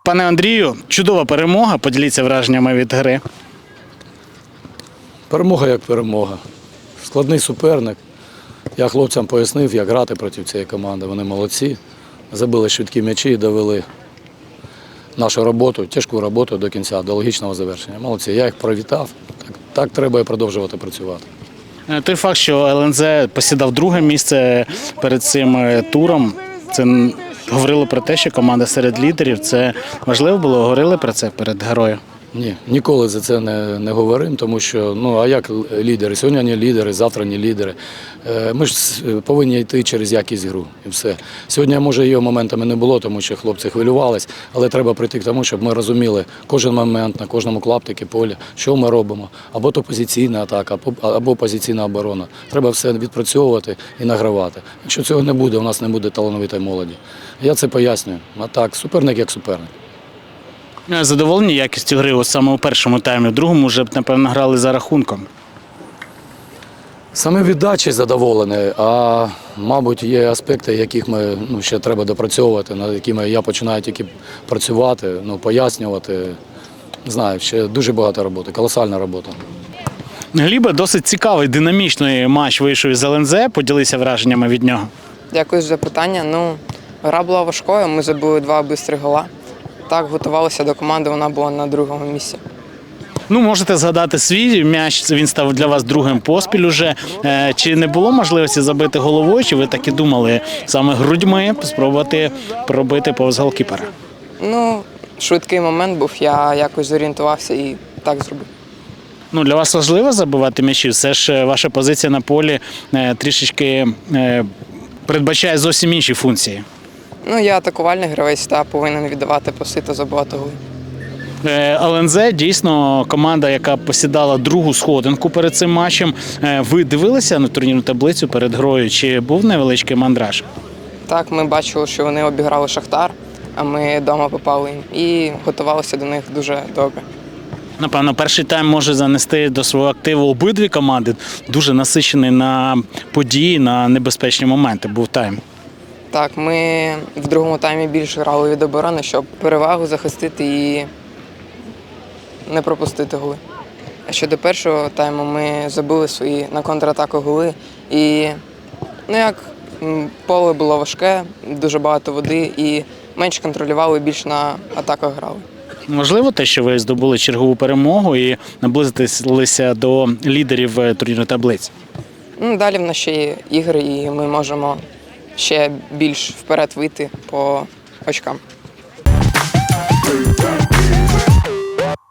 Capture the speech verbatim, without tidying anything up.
Пане Андрію, чудова перемога. Поділіться враженнями від гри. Перемога як перемога. Складний суперник. Я хлопцям пояснив, як грати проти цієї команди. Вони молодці. Забили швидкі м'ячі і довели нашу роботу, тяжку роботу до кінця, до логічного завершення. Молодці. Я їх привітав. Так, так треба і продовжувати працювати. Той факт, що ел ен зет посідав друге місце перед цим туром, це говорило про те, що команда серед лідерів. Це важливо було? Говорили про це перед грою? Ні, ніколи за це не, не говоримо, тому що, ну, а як лідери? Сьогодні не лідери, завтра не лідери. Ми ж повинні йти через якість гру і все. Сьогодні, може, її моментами не було, тому що хлопці хвилювались, але треба прийти к тому, щоб ми розуміли кожен момент на кожному клаптику поля, що ми робимо. Або то позиційна атака, або позиційна оборона. Треба все відпрацьовувати і награвати. Якщо цього не буде, у нас не буде талановитої молоді. Я це пояснюю. А так, суперник як суперник. Задоволені якістю гри ось саме у першому таймі, в другому вже, напевно, грали за рахунком. Саме віддачі задоволений, а, мабуть, є аспекти, яких ми ну, ще треба допрацьовувати, над якими я починаю тільки працювати, ну, пояснювати. Не знаю, ще дуже багато роботи, колосальна робота. Глібе, досить цікавий, динамічний матч вийшов із ел ен зет. Поділися враженнями від нього. Дякую за питання. Ну, гра була важкою, ми забили два швидкі гола. Так, готувалися до команди, вона була на другому місці. Ну, можете згадати свій м'яч, він став для вас другим поспіль уже. Чи не було можливості забити головою, чи ви так і думали саме грудьми спробувати пробити повз голкіпера? Ну, швидкий момент був, я якось зорієнтувався і так зробив. Ну, для вас важливо забивати м'ячі? Все ж ваша позиція на полі трішечки передбачає зовсім інші функції. Ну, я атакувальний гравець та повинен віддавати паси та забивати голи. ел ен зет дійсно команда, яка посідала другу сходинку перед цим матчем. Ви дивилися на турнірну таблицю перед грою? Чи був невеличкий мандраж? Так, ми бачили, що вони обіграли Шахтар, а ми вдома попали їм і готувалися до них дуже добре. Напевно, перший тайм може занести до свого активу обидві команди. Дуже насичений на події, на небезпечні моменти був тайм. Так, ми в другому таймі більше грали від оборони, щоб перевагу захистити і не пропустити голи. А щодо першого тайму ми забили свої на контратаку голи. І, ну як, поле було важке, дуже багато води і менш контролювали, більш на атаках грали. Можливо те, що ви здобули чергову перемогу і наблизилися до лідерів турнірної таблиці? Ну, далі в нас ще є ігри, і ми можемо ще більш вперед вийти по очкам.